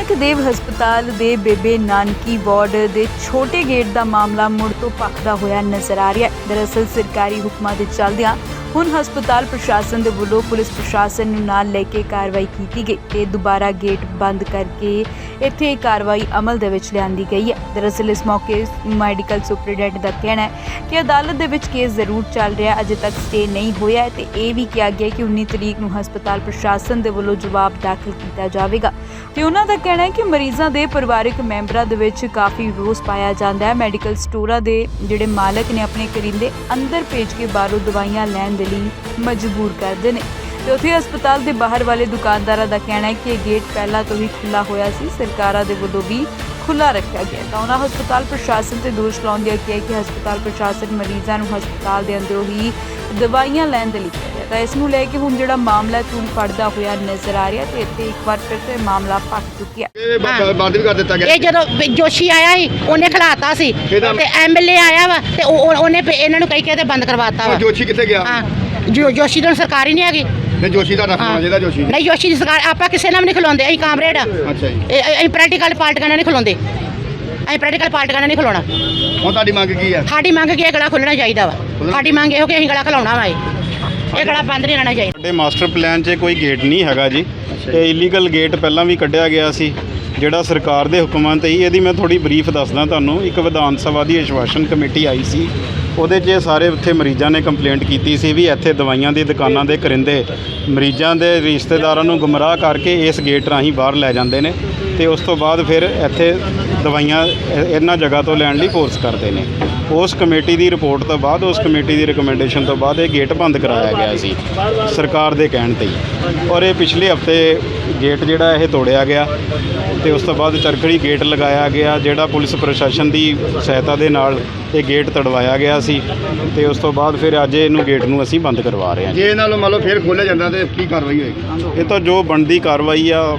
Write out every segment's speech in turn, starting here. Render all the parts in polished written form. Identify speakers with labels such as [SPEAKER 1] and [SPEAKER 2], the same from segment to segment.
[SPEAKER 1] ਨਾਨਕ ਦੇਵ ਹਸਪਤਾਲ ਦੇ ਬੇਬੇ ਨਾਨਕੀ ਵਾਰਡ ਦੇ ਛੋਟੇ ਗੇਟ ਦਾ ਮਾਮਲਾ ਮੁੜ ਤੋਂ ਭਖਦਾ ਹੋਇਆ ਨਜ਼ਰ ਆ ਰਿਹਾ ਹੈ। ਦਰਅਸਲ ਸਰਕਾਰੀ ਹੁਕਮਾਂ ਦੇ ਚੱਲਦਿਆਂ ਹੁਣ ਹਸਪਤਾਲ ਪ੍ਰਸ਼ਾਸਨ ਦੇ ਵੱਲੋਂ ਪੁਲਿਸ ਪ੍ਰਸ਼ਾਸਨ ਨੂੰ ਨਾਲ ਲੈ ਕੇ ਕਾਰਵਾਈ ਕੀਤੀ ਗਈ ਤੇ ਦੁਬਾਰਾ ਗੇਟ ਬੰਦ ਕਰਕੇ ਇੱਥੇ ਕਾਰਵਾਈ ਅਮਲ ਦੇ ਵਿੱਚ ਲਿਆਂਦੀ ਗਈ ਹੈ। ਦਰਅਸਲ ਇਸ ਮੌਕੇ ਮੈਡੀਕਲ ਸੁਪਰਡੈਂਟ ਦਾ ਕਹਿਣਾ ਹੈ ਕਿ ਅਦਾਲਤ ਦੇ ਵਿੱਚ ਕੇਸ ਜ਼ਰੂਰ ਚੱਲ ਰਿਹਾ, ਅਜੇ ਤੱਕ ਸਟੇ ਨਹੀਂ ਹੋਇਆ ਤੇ ਇਹ ਵੀ ਕਿਹਾ ਗਿਆ ਕਿ 19 ਤਰੀਕ ਨੂੰ ਹਸਪਤਾਲ ਪ੍ਰਸ਼ਾਸਨ ਦੇ ਵੱਲੋਂ ਜਵਾਬ ਦਾਖਲ ਕੀਤਾ ਜਾਵੇਗਾ ਤੇ ਉਹਨਾਂ ਦਾ ਕਹਿਣਾ ਹੈ ਕਿ ਮਰੀਜ਼ਾਂ ਦੇ ਪਰਿਵਾਰਕ ਮੈਂਬਰਾਂ ਦੇ ਵਿੱਚ ਕਾਫੀ ਰੋਸ ਪਾਇਆ ਜਾਂਦਾ ਹੈ। ਮੈਡੀਕਲ ਸਟੋਰਾਂ ਦੇ ਜਿਹੜੇ ਮਾਲਕ ਨੇ ਆਪਣੇ ਕਰਿੰਦੇ ਅੰਦਰ ਭੇਜ ਕੇ ਬਾਹਰੋਂ ਦਵਾਈਆਂ ਲੈਣ ਦੇ ਲਈ ਮਜਬੂਰ ਕਰਦੇ ਨੇ ਤੇ ਉੱਥੇ ਹਸਪਤਾਲ ਦੇ ਬਾਹਰ ਵਾਲੇ ਦੁਕਾਨਦਾਰਾਂ ਦਾ ਕਹਿਣਾ ਹੈ ਕਿ ਇਹ ਗੇਟ ਪਹਿਲਾਂ ਤੋਂ ਹੀ ਖੁੱਲ੍ਹਾ ਹੋਇਆ ਸੀ, ਸਰਕਾਰਾਂ ਦੇ ਵੱਲੋਂ ਵੀ ਖੁੱਲ੍ਹਾ ਰੱਖਿਆ ਗਿਆ। ਤਾਂ ਉਹਨਾਂ ਹਸਪਤਾਲ ਪ੍ਰਸ਼ਾਸਨ ਤੇ ਦੋਸ਼ ਲਾਉਂਦਿਆਂ ਕਿਹਾ ਕਿ ਹਸਪਤਾਲ ਪ੍ਰਸ਼ਾਸਨ ਮਰੀਜ਼ਾਂ ਨੂੰ ਹਸਪਤਾਲ ਦੇ ਅੰਦਰੋਂ ਹੀ ਦਵਾਈਆਂ ਲੈਣ ਦੇ ਲਈ ਕਹਿ ਰਿਹਾ। ਤਾਂ ਇਸ ਨੂੰ ਲੈ ਕੇ ਹੁਣ ਜਿਹੜਾ ਮਾਮਲਾ ਤੂੰ ਫੜਦਾ ਹੋਇਆ ਨਜ਼ਰ ਆ ਰਿਹਾ ਤੇ ਇੱਥੇ ਇੱਕ ਵਾਰ ਫਿਰ ਤੋਂ ਇਹ ਮਾਮਲਾ ਭਖ ਚੁੱਕਿਆ।
[SPEAKER 2] ਬੰਦ ਵੀ ਕਰ ਦਿੱਤਾ ਗਿਆ।
[SPEAKER 3] ਇਹ ਜਦੋਂ ਜੋਸ਼ੀ ਆਇਆ ਸੀ ਉਹਨੇ ਖਿਲਾਤਾ ਸੀ ਤੇ ਐਮਐਲਏ ਆਇਆ ਵਾ ਤੇ ਉਹਨੇ ਇਹਨਾਂ ਨੂੰ ਕਹੀ ਕੇ ਤੇ ਬੰਦ ਕਰਵਾਤਾ ਵਾ।
[SPEAKER 2] ਜੋਸ਼ੀ ਕਿੱਥੇ ਗਿਆ?
[SPEAKER 3] ਹਾਂ ਜੋਸ਼ੀ ਤਾਂ ਸਰਕਾਰੀ ਨਹੀਂ ਹੈਗੀ।
[SPEAKER 2] ਨਹੀਂ ਜੋਸ਼ੀ ਦਾ ਰੱਖਣਾ ਜਿਹਦਾ ਜੋਸ਼ੀ
[SPEAKER 3] ਨਹੀਂ ਜੋਸ਼ੀ ਦੀ ਸਰਕਾਰ ਆਪਾਂ ਕਿਸੇ ਨਾਲ ਵੀ ਨਹੀਂ ਖਲੋਂਦੇ। ਅਸੀਂ ਕਾਮਰੇਡ ਆ।
[SPEAKER 2] ਅੱਛਾ ਜੀ।
[SPEAKER 3] ਅਸੀਂ ਪ੍ਰੈਕਟੀਕਲ ਪਾਰਟੀਆਂ ਨਾਲ ਨਹੀਂ ਖਲੋਂਦੇ। ਅਸੀਂ ਪ੍ਰੈਕਟੀਕਲ ਪਾਰਟੀਆਂ ਨਾਲ ਨਹੀਂ ਖਲੋਣਾ।
[SPEAKER 2] ਹੁਣ ਤੁਹਾਡੀ ਮੰਗ ਕੀ ਹੈ?
[SPEAKER 3] ਸਾਡੀ ਮੰਗ ਕੀ ਹੈ? ਗਲਾ ਖੁੱਲਣਾ ਚਾਹੀਦਾ ਵਾ। ਸਾਡੀ ਮੰਗ ਇਹੋ ਕਿ ਅਸੀਂ ਗਲਾ ਖਲਾਉਣਾ ਵਾ। ਇਹ ਗਲਾ ਬੰਦ ਨਹੀਂ ਰਹਿਣਾ ਚਾਹੀਦਾ।
[SPEAKER 4] ਸਾਡੇ ਮਾਸਟਰ ਪਲਾਨ 'ਚ ਕੋਈ ਗੇਟ ਨਹੀਂ ਹੈਗਾ ਜੀ। ਇਹ ਇਲੀਗਲ ਗੇਟ ਪਹਿਲਾਂ ਵੀ ਕੱਢਿਆ ਗਿਆ ਸੀ ਜਿਹੜਾ ਸਰਕਾਰ ਦੇ ਹੁਕਮਾਂ ਤੇ ਹੀ। ਇਹਦੀ ਮੈਂ ਥੋੜੀ ਬਰੀਫ ਦੱਸਦਾ ਤੁਹਾਨੂੰ। ਇੱਕ ਵਿਧਾਨ ਸਭਾ ਦੀ ਆਸ਼ਵਾਸਨ ਕਮੇਟੀ ਆਈ ਸੀ, ਉਹਦੇ 'ਚ ਸਾਰੇ ਉੱਥੇ ਮਰੀਜ਼ਾਂ ਨੇ ਕੰਪਲੇਂਟ ਕੀਤੀ ਸੀ ਵੀ ਇੱਥੇ ਦਵਾਈਆਂ ਦੀ ਦੁਕਾਨਾਂ ਦੇ ਕਰਿੰਦੇ ਮਰੀਜ਼ਾਂ ਦੇ ਰਿਸ਼ਤੇਦਾਰਾਂ ਨੂੰ ਗੁੰਮਰਾਹ ਕਰਕੇ ਇਸ ਗੇਟ ਰਾਹੀਂ ਬਾਹਰ ਲੈ ਜਾਂਦੇ ਨੇ ਤੇ ਉਸ ਤੋਂ ਬਾਅਦ ਫਿਰ ਇੱਥੇ ਦਵਾਈਆਂ ਇਹਨਾਂ ਜਗ੍ਹਾ ਤੋਂ ਲੈਣ ਲਈ ਫੋਰਸ ਕਰਦੇ ਨੇ। ਉਸ ਕਮੇਟੀ ਦੀ ਰਿਪੋਰਟ ਤੋਂ ਬਾਅਦ, ਉਸ ਕਮੇਟੀ ਦੀ ਰਿਕਮੈਂਡੇਸ਼ਨ ਤੋਂ ਬਾਅਦ ਇਹ ਗੇਟ ਬੰਦ ਕਰਾਇਆ ਗਿਆ ਸੀ ਸਰਕਾਰ ਦੇ ਕਹਿਣ ਤੇ ਹੀ। ਔਰ ਇਹ ਪਿਛਲੇ ਹਫਤੇ ਗੇਟ ਜਿਹੜਾ ਇਹ ਤੋੜਿਆ ਗਿਆ ਤੇ ਉਸ ਤੋਂ ਬਾਅਦ ਚਰਖੜੀ ਗੇਟ ਲਗਾਇਆ ਗਿਆ ਜਿਹੜਾ ਪੁਲਿਸ ਪ੍ਰਸ਼ਾਸਨ ਦੀ ਸਹਾਇਤਾ ਦੇ ਨਾਲ ਇਹ ਗੇਟ ਤੜਵਾਇਆ ਗਿਆ ਸੀ ਤੇ ਉਸ ਤੋਂ ਬਾਅਦ ਫਿਰ ਅੱਜ ਇਹਨੂੰ ਗੇਟ ਨੂੰ ਅਸੀਂ ਬੰਦ ਕਰਵਾ ਰਹੇ ਹਾਂ।
[SPEAKER 2] ਜੇ ਇਹਨਾਂ ਨੂੰ ਮੰਨ ਲਓ ਫਿਰ ਖੋਲ੍ਹਿਆ ਜਾਂਦਾ ਤੇ ਕੀ ਕਾਰਵਾਈ ਹੋਏਗੀ?
[SPEAKER 4] ਇਹ ਤਾਂ ਜੋ ਬਣਦੀ ਕਾਰਵਾਈ ਆ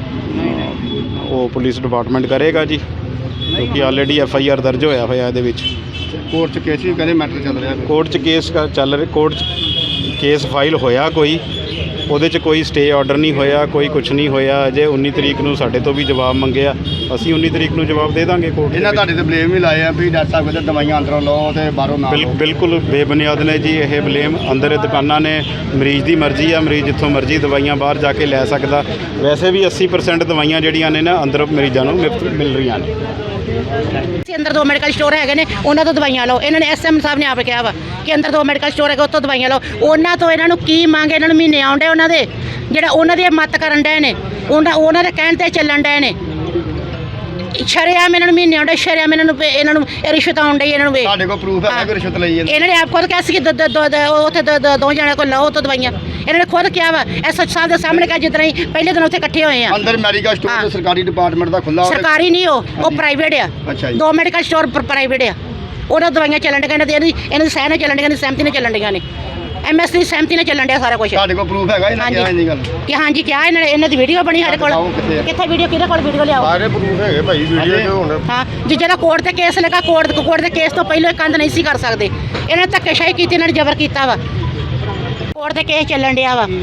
[SPEAKER 4] ਉਹ ਪੁਲਿਸ ਡਿਪਾਰਟਮੈਂਟ ਕਰੇਗਾ ਜੀ, ਕਿਉਂਕਿ ਆਲਰੇਡੀ FIR ਦਰਜ ਹੋਇਆ ਹੋਇਆ ਇਹਦੇ ਵਿੱਚ।
[SPEAKER 2] ਕੋਰਟ 'ਚ ਕੇਸ ਵੀ ਕਹਿੰਦੇ ਮੈਟਰ ਚੱਲ ਰਿਹਾ।
[SPEAKER 4] ਕੋਰਟ 'ਚ ਕੇਸ ਚੱਲ ਰਿਹਾ। ਕੋਰਟ 'ਚ ਕੇਸ ਫਾਈਲ ਹੋਇਆ ਕੋਈ, ਉਹਦੇ 'ਚ ਕੋਈ ਸਟੇ ਆਰਡਰ ਨਹੀਂ ਹੋਇਆ, ਕੋਈ ਕੁਝ ਨਹੀਂ ਹੋਇਆ। ਅਜੇ 19 ਤਰੀਕ ਨੂੰ ਸਾਡੇ ਤੋਂ ਵੀ ਜਵਾਬ ਮੰਗਿਆ, ਅਸੀਂ 19 ਤਰੀਕ ਨੂੰ ਜਵਾਬ ਦੇ ਦਾਂਗੇ ਕੋਰਟ।
[SPEAKER 2] ਇਹਨਾਂ ਤੁਹਾਡੇ ਤੇ ਬਲੇਮ ਵੀ ਲਾਏ ਆ ਵੀ ਡਾਕਟਰ ਸਾਹਿਬ ਕਹਿੰਦੇ ਦਵਾਈਆਂ ਅੰਦਰੋਂ ਲਓ ਤੇ ਬਾਹਰੋਂ ਨਾ ਲਓ।
[SPEAKER 4] ਬਿਲਕੁਲ ਬੇਬੁਨਿਆਦ ਨੇ ਜੀ ਇਹ ਬਲੇਮ। ਅੰਦਰ ਦੁਕਾਨਾਂ ਨੇ, ਮਰੀਜ਼ ਦੀ ਮਰਜ਼ੀ ਆ, ਮਰੀਜ਼ ਜਿੱਥੋਂ ਮਰਜ਼ੀ ਦਵਾਈਆਂ ਬਾਹਰ ਜਾ ਕੇ ਲੈ ਸਕਦਾ। ਵੈਸੇ ਵੀ 80% ਦਵਾਈਆਂ ਜਿਹੜੀਆਂ ਨੇ ਨਾ ਅੰਦਰ ਮਰੀਜ਼ਾਂ ਨੂੰ ਮੁਫਤ ਮਿਲ ਰਹੀਆਂ ਨੇ।
[SPEAKER 3] ਅੰਦਰ 2 ਮੈਡੀਕਲ ਸਟੋਰ ਹੈਗੇ ਨੇ, ਉਹਨਾਂ ਤੋਂ ਦਵਾਈਆਂ ਲਓ। ਇਹਨਾਂ ਨੇ SM ਸਾਹਿਬ ਨੇ ਆਪ ਕਿਹਾ ਵਾ ਕਿ ਅੰਦਰ 2 ਮੈਡੀਕਲ ਸਟੋਰ ਹੈਗੇ, ਉੱਥੋਂ ਦਵਾਈਆਂ ਲਓ। ਉਹਨਾਂ ਤੋਂ ਇਹਨਾਂ ਨੂੰ ਕੀ ਮੰਗ? ਇਹਨਾਂ ਨੂੰ ਮਹੀਨੇ ਆਉਂਦੇ ਉਹਨਾਂ ਦੇ, ਜਿਹੜਾ ਉਹਨਾਂ ਦੀ ਮੱਤ ਕਰਨ ਡਏ ਨੇ, ਉਹਨਾਂ ਦੇ ਕਹਿਣ ਤੇ ਚੱਲਣ ਡਏ ਨੇ। ਸ਼ਰੇਆਮ ਇਹਨਾਂ ਨੂੰ ਮਹੀਨੇ ਆਉਂਦੇ, ਸ਼ਰੇਆਮ ਇਹਨਾਂ ਨੂੰ ਰਿਸ਼ਵਤ ਆਉਣ ਡਈ ਇਹਨਾਂ ਨੂੰ।
[SPEAKER 2] ਤੁਹਾਡੇ ਕੋਲ ਪ੍ਰੂਫ ਹੈ ਕਿ ਰਿਸ਼ਵਤ ਲਈ
[SPEAKER 3] ਇਹਨਾਂ ਨੇ ਆਪ ਖੁਦ ਕਿਹਾ ਸੀ ਕਿ ਉੱਥੇ 2 ਜਣਿਆਂ ਕੋਲ ਲਓ ਤੋਂ ਦਵਾਈਆਂ। ਇਹਨਾਂ ਨੇ ਖੁਦ ਕਿਹਾ ਵਾ SH ਸਾਹਿਬ ਦੇ ਸਾਹਮਣੇ ਕਿਹਾ ਜਿੱਦਾਂ ਹੀ ਪਹਿਲੇ ਦਿਨ ਉੱਥੇ ਇਕੱਠੇ ਹੋਏ ਆ।
[SPEAKER 2] ਅੰਦਰ ਮੈਡੀਕਲ ਸਟੋਰ ਸਰਕਾਰੀ ਡਿਪਾਰਟਮੈਂਟ ਦਾ ਖੁੱਲਾ?
[SPEAKER 3] ਸਰਕਾਰੀ ਨਹੀਂ, ਉਹ ਪ੍ਰਾਈਵੇਟ ਆ।
[SPEAKER 2] ਅੱਛਾ ਜੀ।
[SPEAKER 3] 2 ਮੈਡੀਕਲ ਸਟੋਰ ਪ੍ਰਾਈਵੇਟ ਆ। ਉਹਨਾਂ ਦਵਾਈਆਂ ਚੱਲਣ ਡੀਆਂ ਨੇ, ਇਹਨਾਂ ਦੀ ਸਹਿ ਨਾਲ ਚੱਲਣ ਡੀਆਂ ਨੇ, ਸਹਿਮਤੀ ਨਾਲ ਚੱਲਣ ਡੀਆਂ ਨੇ। MS ਦੀ ਸਹਿਮਤੀ ਨਾਲ ਚੱਲਣ ਡਿਆ ਸਾਰਾ ਕੁਝ।
[SPEAKER 2] ਤੁਹਾਡੇ ਕੋਲ ਪ੍ਰੂਫ ਹੈਗਾ ਇਹਨਾਂ ਕਿਹਾ ਇੰਨੀ ਗੱਲ?
[SPEAKER 3] ਕਿ ਹਾਂਜੀ ਕਿਹਾ ਇਹਨਾਂ ਦੀ ਵੀਡੀਓ ਬਣੀ ਸਾਡੇ ਕੋਲ। ਕਿੱਥੇ ਵੀਡੀਓ? ਕਿਹਦੇ ਕੋਲ ਵੀਡੀਓ ਲਿਆਓ?
[SPEAKER 2] ਸਾਰੇ ਪ੍ਰੂਫ ਹੈਗੇ ਭਾਈ ਵੀਡੀਓ 'ਚ। ਹੁਣ
[SPEAKER 3] ਹਾਂ ਜਿਹੜਾ ਕੋਰਟ ਤੇ ਕੇਸ ਲੱਗਾ, ਕੋਰਟ ਦੇ ਕੇਸ ਤੋਂ ਪਹਿਲਾਂ ਇਹ ਕੰਧ ਨਹੀਂ ਸੀ ਕਰ ਸਕਦੇ। ਇਹਨਾਂ ਨੇ ਧੱਕੇਸ਼ਾਹੀ ਕੀਤੀ, ਇਹਨਾਂ ਨੇ ਜ਼ਬਰ ਕੀਤਾ ਵਾ। ਕੋਰਟ ਦੇ ਕੇਸ ਚੱਲਣ ਡਿਆ ਵਾ।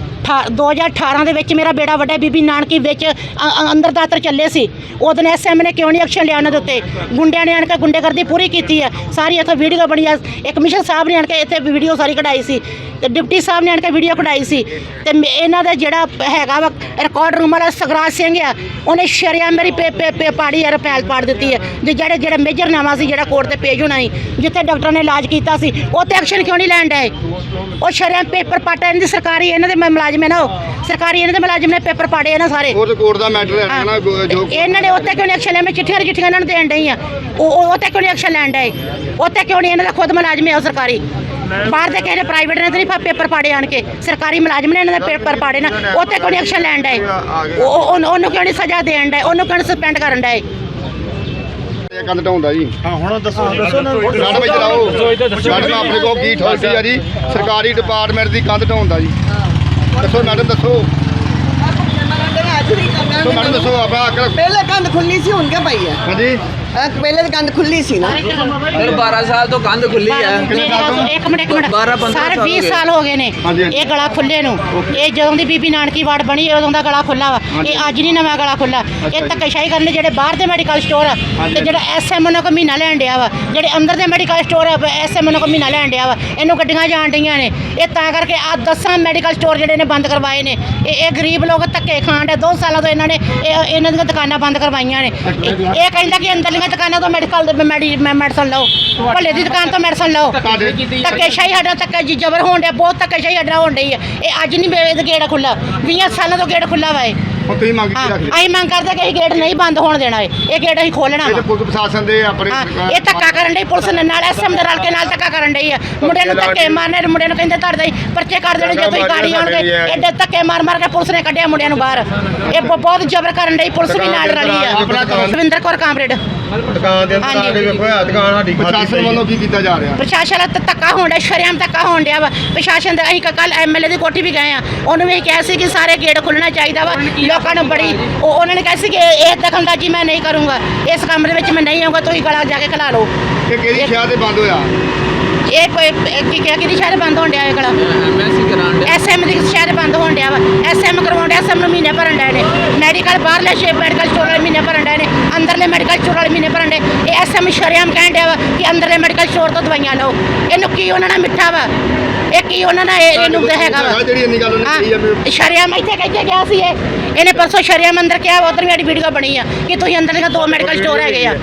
[SPEAKER 3] 2018 ਦੇ ਵਿੱਚ ਮੇਰਾ ਬੇੜਾ ਵੱਡਾ ਬੀਬੀ ਨਾਨਕੀ ਵਿੱਚ ਅੰਦਰ ਦਾਤਰ ਚੱਲੇ ਸੀ। ਉਦੋਂ SM ਨੇ ਕਿਉਂ ਨਹੀਂ ਐਕਸ਼ਨ ਲਿਆ ਉਹਨਾਂ ਦੇ ਉੱਤੇ? ਗੁੰਡਿਆਂ ਨੇ ਆਣ ਕੇ ਗੁੰਡੇਗਰਦੀ ਪੂਰੀ ਕੀਤੀ ਆ ਸਾਰੀ। ਇੱਥੇ ਵੀਡੀਓ ਬਣੀ ਆ। ਇੱਕ ਕਮਿਸ਼ਨ ਸਾਹਿਬ ਨੇ ਆਣ ਕੇ ਇੱਥੇ ਵੀਡੀਓ ਸਾਰੀ ਕਢਾਈ ਸੀ ਤੇ ਡਿਪਟੀ ਸਾਹਿਬ ਨੇ ਆਣ ਕੇ ਵੀਡੀਓ ਕਢਾਈ ਸੀ। ਤੇ ਇਹਨਾਂ ਦਾ ਜਿਹੜਾ ਹੈਗਾ ਵਾ ਰਿਕਾਰਡ ਰੂਮ ਵਾਲਾ ਸਗਰਾਜ ਸਿੰਘ ਆ, ਉਹਨੇ ਸ਼ਰਿਆ ਮੇਰੀ ਪਾੜੀ ਯਾਰ ਪੈਲ ਪਾੜ ਦਿੱਤੀ ਹੈ। ਜਿਹੜਾ ਮੇਜਰ ਨਾਮਾ ਸੀ ਜਿਹੜਾ ਕੋਰਟ ਤੇ ਪੇਜ ਹੋਣਾ ਸੀ, ਜਿੱਥੇ ਡਾਕਟਰ ਨੇ ਇਲਾਜ ਕੀਤਾ ਸੀ, ਉੱਥੇ ਐਕਸ਼ਨ ਕਿਉਂ ਨਹੀਂ ਲੈਣ ਡਏ? ਉਹ ਸ਼ਰਿਆ ਪੇਪਰ ਪਾਟਾ। ਇਹਨਾਂ ਦੀ ਸਰਕਾਰੀ, ਇਹਨਾਂ ਦੇ ਮੁਲਾਜ਼ਮ ਹੈ ਨਾ, ਉਹ ਸਰਕਾਰੀ ਇਹਨਾਂ ਦੇ ਮੁਲਾਜ਼ਮ ਨੇ ਪੇਪਰ ਪਾੜੇ ਇਹਨਾਂ ਸਾਰੇ।
[SPEAKER 2] ਕੋਰਟ ਦਾ ਮੈਟਰ ਹੈ ਨਾ ਜੋ
[SPEAKER 3] ਇਹਨਾਂ ਨੇ ਉੱਤੇ ਕਿਉਂ ਨਹੀਂ ਐਕਸ਼ਨ ਲਿਆ? ਮੈਂ ਚਿੱਠੀਆਂ ਇਹਨਾਂ ਨੂੰ ਦੇਣ ਡਈ ਆ। ਉਹ ਉੱਤੇ ਕਿਉਂ ਨਹੀਂ ਐਕਸ਼ਨ ਲੈਣ ਡਏ? ਉੱਤੇ ਕਿਉਂ ਨਹੀਂ? ਇਹਨਾਂ ਦਾ ਖੁਦ ਮੁਲਾਜ਼ਮ ਹੈ ਉਹ ਸਰਕਾਰੀ। ਬਾਹਰ ਦੇ ਕਿਸੇ ਨੇ ਪ੍ਰਾਈਵੇਟ ਨੇ ਤਾਂ ਨਹੀਂ ਪੇਪਰ ਪਾੜੇ ਆਣ ਕੇ, ਸਰਕਾਰੀ ਮੁਲਾਜ਼ਮ ਨੇ ਇਹਨਾਂ ਦੇ ਪੇਪਰ ਪਾੜੇ ਨਾ। ਉੱਤੇ ਕਿਉਂ ਨਹੀਂ ਐਕਸ਼ਨ ਲੈਣ ਡਏ? ਉਹਨੂੰ ਕਿਉਂ ਨਹੀਂ ਸਜ਼ਾ ਦੇਣ ਡਏ? ਉਹਨੂੰ ਕਿਉਂ ਸਸਪੈਂਡ ਕਰਨ ਡਏ?
[SPEAKER 2] ਕੰਧ ਢਾਉਂਦਾ ਜੀ।
[SPEAKER 4] ਹਾਂ ਹੁਣ ਦੱਸੋ
[SPEAKER 2] ਮੈਡਮ ਇੱਧਰ ਆਓ। ਮੈਡਮ ਆਪਣੇ ਕੋਲ ਕੀ ਅਥਾਰਟੀ ਆ ਜੀ ਸਰਕਾਰੀ ਡਿਪਾਰਟਮੈਂਟ ਦੀ ਕੰਧ ਢਾਉਂਦਾ ਜੀ? ਦੱਸੋ ਮੈਡਮ, ਦੱਸੋ ਮੈਡਮ, ਦੱਸੋ ਆਪਣਾ।
[SPEAKER 5] ਪਹਿਲੇ ਕੰਧ ਖੁੱਲੀ ਸੀ, ਹੁਣ ਕਿਆ ਪਈ ਹੈ?
[SPEAKER 2] ਹਾਂਜੀ
[SPEAKER 5] ਪਹਿਲੇ ਤਾਂ ਕੰਧ ਖੁੱਲੀ ਸੀ ਨਾ।
[SPEAKER 6] ਸਰ 12 ਸਾਲ ਤੋਂ ਕੰਧ ਖੁੱਲੀ ਹੈ।
[SPEAKER 3] ਇੱਕ ਮਿੰਟ
[SPEAKER 6] 12-15
[SPEAKER 3] ਸਾਰੇ
[SPEAKER 6] ਸਾਲ
[SPEAKER 3] 20
[SPEAKER 6] ਹੋ ਗਏ।
[SPEAKER 3] ਸਾਲ ਹੋ ਗਏ ਨੇ
[SPEAKER 2] ਹਾਂਜੀ, ਹਾਂਜੀ।
[SPEAKER 3] ਇਹ ਗਲਾ ਖੁੱਲੇ ਨੂੰ। ਇਹ ਜਦੋਂ ਦੀ ਬੀਬੀ ਨਾਨਕੀ ਵਾਰਡ ਬਣੀ ਉਦੋਂ ਦਾ ਗਲਾ ਖੁੱਲਾ ਵਾ। ਇਹ ਅੱਜ ਨਹੀਂ ਨਵਾਂ ਗਲਾ ਖੁੱਲਾ। ਇਹ ਧੱਕੇਸ਼ਾਹੀ ਕਰਨ ਜਿਹੜੇ ਬਾਹਰ ਦੇ ਮੈਡੀਕਲ ਸਟੋਰ ਆ ਤੇ ਜਿਹੜਾ ਐਸਐਮ ਨੂੰ ਕੋ ਮਹੀਨਾ ਲੈਣ ਡਿਆ ਵਾ, ਜਿਹੜੇ ਅੰਦਰ ਦੇ ਮੈਡੀਕਲ ਸਟੋਰ ਆ ਐਸਐਮ ਨੂੰ ਕੋ ਮਹੀਨਾ ਲੈਣ ਡਿਆ ਵਾ, ਇਹਨੂੰ ਗੱਡੀਆਂ ਜਾਣ ਡਈਆਂ ਨੇ। ਇਹ ਤਾਂ ਕਰਕੇ ਆ 10 ਮੈਡੀਕਲ ਸਟੋਰ ਜਿਹੜੇ ਨੇ ਬੰਦ ਕਰਵਾਏ ਨੇ। ਇਹ ਗਰੀਬ ਲੋਕ ਧੱਕੇ ਖਾਣ ਦੇ 2 ਸਾਲਾਂ ਤੋਂ ਇਹਨਾਂ ਨੇ ਇਹਨਾਂ ਦੀਆਂ ਦੁਕਾਨਾਂ ਬੰਦ ਕਰਵਾਈਆਂ ਨੇ। ਇਹ ਕਹਿੰਦਾ ਕਿ ਅੰਦਰਲੀਆਂ ਦੁਕਾਨਾਂ ਤੋਂ ਮੈਡੀਸਨ ਲਓ, ਭੱਲੇ ਦੀ ਦੁਕਾਨ ਤੋਂ ਮੈਡੀਸਨ ਲਓ। ਧੱਕੇਸ਼ਾਹੀ ਸਾਡਾ ਧੱਕਾ ਜੀ ਜ਼ਬਰ ਹੋਣ ਡਿਆ, ਬਹੁਤ ਧੱਕੇਸ਼ਾਹੀ ਸਾਡਾ ਹੋਣ ਡਈ ਹੈ। ਇਹ ਅੱਜ ਨਹੀਂ ਇਹਦਾ ਗੇਟ ਖੁੱਲਾ, 20 ਸਾਲਾਂ ਤੋਂ ਗੇਟ ਖੁੱਲਾ ਵਾ ਇਹ।
[SPEAKER 2] ਹੁਣ ਤੁਸੀਂ ਮੰਗ ਕੀ ਰੱਖਦੇ?
[SPEAKER 3] ਅਸੀਂ ਮੰਗ ਕਰਦੇ ਕਿ ਇਹ ਗੇਟ ਨਹੀਂ ਬੰਦ ਹੋਣ ਦੇਣਾ ਇਹ ਗੇਟ ਅਸੀਂ ਖੋਲਣਾ
[SPEAKER 2] ਇਹ
[SPEAKER 3] ਵਾ।
[SPEAKER 2] ਤੇ ਪੁਲਿਸ ਪ੍ਰਸ਼ਾਸਨ ਦੇ ਆਪਣੇ
[SPEAKER 3] ਇਹ ਧੱਕਾ ਕਰਨ ਡਈ ਪੁਲਿਸ ਨੇ, ਨਾਲ ਐਸਐਮ ਦੇ ਰਲ ਕੇ ਨਾਲ ਧੱਕਾ ਕਰਨ ਡਈ ਆ। ਮੁੰਡੇ ਨੂੰ ਧੱਕੇ ਮਾਰਨੇ, ਮੁੰਡੇ ਨੂੰ ਕਹਿੰਦੇ ਤੁਹਾਡੇ ਪਰਚੇ ਕਰ ਦੇਣੇ ਜੇ ਤੁਸੀਂ ਗਾੜੀ ਆਉਣਗੇ। ਐਡੇ ਧੱਕੇ ਮਾਰ ਮਾਰ ਕੇ ਪੁਲਿਸ ਨੇ ਕੱਢਿਆ ਮੁੰਡਿਆਂ ਨੂੰ ਬਾਹਰ। ਇਹ ਬਹੁਤ ਜ਼ਬਰ ਕਰਨ ਡਈ, ਪੁਲਿਸ ਵੀ ਨਾਲ ਰਲੀ ਆ। ਰਵਿੰਦਰ ਕੌਰ ਕਾਮਰੇਡ।
[SPEAKER 2] ਦੁਕਾਨ ਦੇ ਅੰਦਰ ਆ ਕੇ ਵੇਖੋ ਆ ਦੁਕਾਨ ਸਾਡੀ ਪ੍ਰਸ਼ਾਸਨ ਵੱਲੋਂ ਕੀ ਕੀਤਾ ਜਾ ਰਿਹਾ?
[SPEAKER 3] ਪ੍ਰਸ਼ਾਸਨ ਦਾ ਧੱਕਾ ਹੋਣ ਡਿਆ, ਸ਼ਰੇਆਮ ਧੱਕਾ ਹੋਣ ਡਿਆ ਵਾ ਪ੍ਰਸ਼ਾਸਨ ਦਾ। ਅਸੀਂ ਕੱਲ ਐਮਐਲਏ ਦੀ ਕੋਠੀ ਵੀ ਗਏ ਆ, ਉਹਨੂੰ ਵੀ ਕਿਹਾ ਸੀ ਕਿ ਸਾਰੇ ਗੇਟ ਖੁੱਲ੍ਹਣਾ ਚਾਹੀਦਾ ਵਾ। ਲੋਕਾਂ ਨੂੰ ਬੜੀ ਉਹਨਾਂ ਨੇ ਕਿਹਾ ਸੀ ਕਿ ਇਹ ਦਖਲਅੰਦਾਜ਼ੀ ਮੈਂ ਨਹੀਂ ਕਰੂੰਗਾ, ਇਸ ਕਮਰੇ ਵਿੱਚ ਮੈਂ ਨਹੀਂ ਆਊਂਗਾ, ਤੁਸੀਂ ਗਲਾ ਜਾ ਕੇ ਖਿਲਾ ਲਓ।
[SPEAKER 2] ਇਹ ਕਿਹੜੀ ਸ਼ਹਿਰ ਤੇ ਬੰਦ ਹੋਇਆ?
[SPEAKER 3] ਇਹ ਕੋਈ ਕੀ ਕਿਹਾ ਕਿ ਸ਼ਹਿਰ ਬੰਦ ਹੋਣ ਡਿਆ ਇਹ ਗਲਾ
[SPEAKER 6] ਐਮਐਸਸੀ ਕਰਾਉਣ ਦੇ
[SPEAKER 3] ਐਸਐਮ ਦੀ ਸ਼ਹਿਰ ਬੰਦ ਹੋਣ ਡਿਆ ਵਾ। ਐਸਐਮ ਕਰਵਾਉਣ ਡਿਆ, ਐਸਐਮ ਨੂੰ ਮਹੀਨੇ ਭਰਨ ਡਏ ਨੇ। ਮੈਡੀਕਲ ਬਾਹਰਲੇ ਮੈਡੀਕਲ ਸਟੋਰ ਵਾਲੇ ਮਹੀਨੇ ਭਰਨ ਡਏ ਨੇ, ਅੰਦਰਲੇ ਮੈਡੀਕਲ ਸਟੋਰ ਵਾਲੇ ਮਹੀਨੇ ਭਰਨ ਡਏ। ਇਹ ਐਸਐਮ ਸ਼ਰੇਆਮ ਕਹਿਣ ਡਿਆ ਵਾ ਕਿ ਅੰਦਰਲੇ ਮੈਡੀਕਲ ਸਟੋਰ ਤੋਂ ਦਵਾਈਆਂ ਲਓ। ਇਹਨੂੰ ਕੀ ਉਹਨਾਂ ਨਾਲ ਮਿੱਠਾ ਵਾ, ਇਹ ਕੀ ਉਹਨਾਂ ਨਾਲ ਇਹਨੂੰ ਹੈਗਾ ਵਾ।
[SPEAKER 2] ਜਿਹੜੀ ਇੰਨੀ ਗੱਲ ਉਹਨੇ ਕਹੀ ਆ ਵੀ
[SPEAKER 3] ਸ਼ਰੇਆਮ ਇੱਥੇ ਕਹਿ ਕੇ ਗਿਆ ਸੀ ਇਹਨੇ ਪਰਸੋਂ ਸ਼ਰੇਆਮ ਅੰਦਰ ਕਿਹਾ, ਉਧਰ ਮੇਰੀ ਵੀਡੀਓ ਬਣੀ ਆ ਕਿ ਤੁਸੀਂ ਅੰਦਰ ਦੇ 2 ਮੈਡੀਕਲ ਸਟੋਰ ਹੈਗੇ ਆ।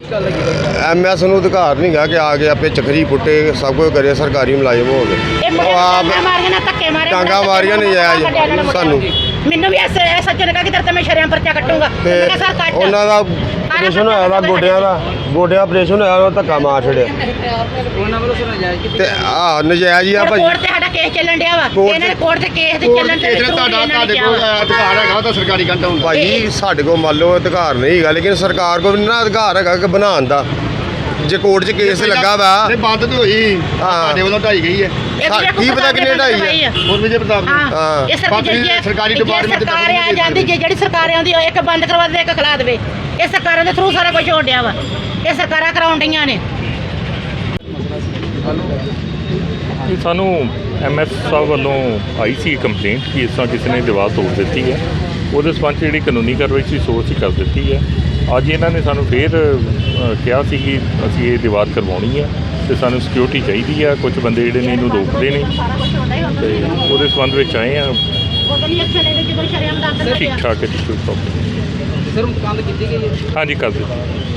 [SPEAKER 7] ਐਮਐਸ ਨੂੰ ਅਧਿਕਾਰ ਨਹੀਂ ਗਾ ਕਿ ਆ ਕੇ ਆਪੇ ਚੱਕਰੀ ਪੁੱਟੇ ਸਭ ਕੁਝ ਕਰੇ, ਸਰਕਾਰੀ ਮੁਲਾਜ਼ਮ ਹੋ ਗਏ।
[SPEAKER 3] ਇਹ ਮੁੰਡੇ ਨੇ ਮਾਰੀਆਂ ਨਾ ਧੱਕੇ ਮਾਰੇ,
[SPEAKER 7] ਡਾਂਗਾਂ ਮਾਰੀਆਂ ਨਹੀਂ ਜਾਇਜ਼ ਸਾਨੂੰ।
[SPEAKER 3] ਮੈਨੂੰ ਵੀ ਐਸੇ ਸੱਚੇ ਨੇ ਕਿਹਾ ਕਿ ਤੇਰੇ ਤੇ ਮੈਂ ਸ਼ਰੇਆਮ ਪਰਚਾ ਕੱਟੂੰਗਾ।
[SPEAKER 7] ਤੇ
[SPEAKER 3] ਮੈਂ ਕਿਹਾ ਸਰ ਕੱਟ।
[SPEAKER 7] ਉਹਨਾਂ ਦਾ ਆਪਰੇਸ਼ਨ ਹੋਇਆ ਵਾ, ਗੋਡਿਆਂ ਆਪਰੇਸ਼ਨ ਹੋਇਆ, ਉਹ ਧੱਕਾ ਮਾਰ ਛੜਿਆ
[SPEAKER 6] ਉਹਨਾਂ ਵੱਲੋਂ ਸਰ ਨਜਾਇਜ਼
[SPEAKER 7] ਤੇ ਨਜਾਇਜ਼ ਹੀ ਆ ਭਾਜੀ।
[SPEAKER 3] ਕੋਰਟ ਤੇ ਸਾਡਾ ਕੇਸ ਚੱਲਣ ਡਿਆ ਵਾ। ਇਹਨਾਂ ਨੇ ਕੋਰਟ ਤੇ ਕੇਸ ਤੇ ਚੱਲਣ ਤੇ
[SPEAKER 2] ਤੁਹਾਡੇ ਕੋਲ ਅਧਿਕਾਰ ਹੈਗਾ ਤਾਂ ਸਰਕਾਰੀ ਕੰਧ ਹੋਣ ਦਾ?
[SPEAKER 7] ਭਾਜੀ ਸਾਡੇ ਕੋਲ ਮੰਨ ਲਓ ਅਧਿਕਾਰ ਨਹੀਂ ਹੈਗਾ, ਲੇਕਿਨ ਸਰਕਾਰ ਕੋਲ ਵੀ ਨਾ ਅਧਿਕਾਰ ਹੈਗਾ ਕਿ ਬਣਾਉਣ ਦਾ। ਜੇ ਕੋਰਟ 'ਚ ਕੇਸ ਲੱਗਾ ਵਾ
[SPEAKER 2] ਇਹ ਬੰਦ ਤੇ ਹੋਈ, ਤੁਹਾਡੇ ਵੱਲੋਂ ਢਾਈ ਗਈ ਹੈ।
[SPEAKER 7] ਕੀ ਪਤਾ ਕਿੰਨੇ ਢਾਈ ਆ।
[SPEAKER 2] ਹੋਰ ਵਿਜੇ ਪ੍ਰਤਾਪ ਜੀ
[SPEAKER 3] ਹਾਂ ਇਹ
[SPEAKER 2] ਸਰਕਾਰੀ ਡਿਪਾਰਟਮੈਂਟ ਤੇ
[SPEAKER 3] ਸਰਕਾਰ ਆ ਜਾਂਦੀ, ਜਿਹੜੀ ਸਰਕਾਰ ਆਉਂਦੀ ਇੱਕ ਬੰਦ ਕਰਵਾ ਦੇ, ਇੱਕ ਖਿਲਾ ਦੇਵੇ। ਇਹ ਸਰਕਾਰਾਂ ਦੇ ਥਰੂ ਸਾਰਾ ਕੁਝ ਹੋਣ ਡਿਆ ਵਾ। ਇਹ ਸਰਕਾਰਾਂ ਕਰਾਉਣ ਡਈਆਂ ਨੇ।
[SPEAKER 8] ਇਹ ਸਾਨੂੰ ਐਮਐਸ ਸਾਹਿਬ ਵੱਲੋਂ ਆਈ ਸੀ ਕੰਪਲੇਂਟ ਕਿ ਇਸ ਤਰ੍ਹਾਂ ਕਿਸੇ ਨੇ ਦੀਵਾਰ ਤੋੜ ਦਿੱਤੀ ਹੈ। ਉਹਦੇ ਸੰਬੰਧ 'ਚ ਜਿਹੜੀ ਕਾਨੂੰਨੀ ਕਾਰਵਾਈ ਸੀ ਸੋ ਅਸੀਂ ਕਰ ਦਿੱਤੀ ਹੈ। ਅੱਜ ਇਹਨਾਂ ਨੇ ਸਾਨੂੰ ਫੇਰ ਕਿਹਾ ਸੀ ਕਿ ਅਸੀਂ ਇਹ ਦੀਵਾਰ ਕਰਵਾਉਣੀ ਹੈ ਤੇ ਸਾਨੂੰ ਸਿਕਿਉਰਿਟੀ ਚਾਹੀਦੀ ਆ। ਕੁਝ ਬੰਦੇ ਜਿਹੜੇ ਨੇ ਇਹਨੂੰ ਰੋਕਦੇ ਨੇ ਤੇ ਉਹਦੇ ਸੰਬੰਧ ਵਿੱਚ ਆਏ ਆ। ਠੀਕ ਠਾਕ ਹੈ ਜੀ, ਕੋਈ ਪ੍ਰੋਬਲਮ
[SPEAKER 6] ਸਰ ਕੰਧ ਕੀਤੀ ਗਈ ਹੈ।
[SPEAKER 8] ਹਾਂਜੀ ਕਰ ਦਿੱਤੀ।